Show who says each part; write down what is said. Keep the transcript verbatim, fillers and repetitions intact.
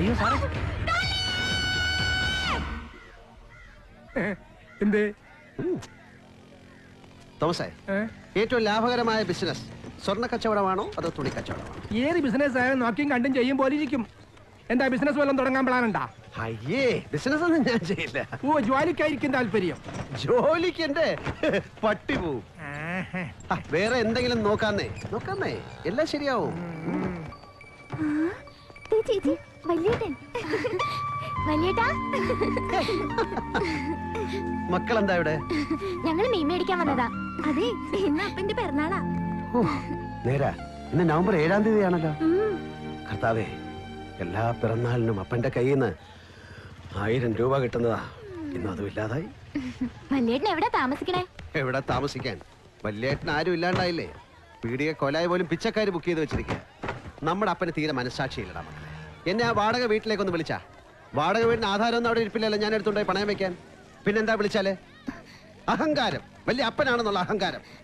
Speaker 1: അയ്യോ സാറേ
Speaker 2: എന്തേ
Speaker 3: തോമസേ, ഏറ്റവും ലാഭകരമായ ബിസിനസ് സ്വർണ്ണ കച്ചവടമാണോ അതോ തുണി കച്ചവടമാണോ?
Speaker 2: ഏത് ബിസിനസ് ആയാലും നോക്കിയും കണ്ടും ചെയ്യും പോലെ ഇരിക്കും. എന്താ ബിസിനസ് വല്ലതും തുടങ്ങാൻ പ്ലാനുണ്ടാ?
Speaker 3: അയ്യേ, ബിസിനസ് ഒന്നും ഞാൻ ചെയ്യില്ല.
Speaker 2: ഓ, ജോലിക്കായിരിക്കും താല്പര്യം.
Speaker 3: ജോലിക്ക് എന്റെ പട്ടി പോവും. വേറെ എന്തെങ്കിലും നോക്കാന്നേ നോക്കാന്നേ എല്ലാം ശരിയാവും.
Speaker 4: ചേച്ചി വലിയേട്ടൻ വലിയേട്ടാ
Speaker 3: മക്കളെന്താ ഇവിടെ?
Speaker 4: ഞങ്ങൾ മീൻ മേടിക്കാൻ വന്നതാ. അതെ, ഇന്ന് അപ്പന്റെ പിറന്നാളാ.
Speaker 3: നേരാ, ഇന്ന് നവംബർ ഏഴാം തീയതിയാണല്ലോ. കർത്താവേ, എല്ലാ പിറന്നാളിനും അപ്പന്റെ കയ്യിൽ നിന്ന് ആയിരം രൂപ കിട്ടുന്നതാ. ഇന്ന് അതും ഇല്ലാതായി.
Speaker 4: വലിയേട്ടൻ എവിടെ താമസിക്കണേ?
Speaker 3: എവിടെ താമസിക്കാൻ, വല്യേട്ടൻ ആരും ഇല്ലാണ്ടായില്ലേ. പീടിക കൊലായി പോലും പിച്ചക്കാര് ബുക്ക് ചെയ്ത് വെച്ചിരിക്കുക. നമ്മുടെ അപ്പന് തീരെ മനസ്സാക്ഷിയില്ലടാ മക്കളെ. എന്നെ ആ വാടക വീട്ടിലേക്കൊന്ന് വിളിച്ചാ, വാടക വീടിന് ആധാരമൊന്നും അവിടെ ഇരിപ്പില്ലല്ലോ. ഞാൻ എടുത്തുണ്ടായി പണയം വെക്കാൻ. പിന്നെന്താ വിളിച്ചാല്? അഹങ്കാരം, വലിയ അപ്പനാണെന്നുള്ള അഹങ്കാരം.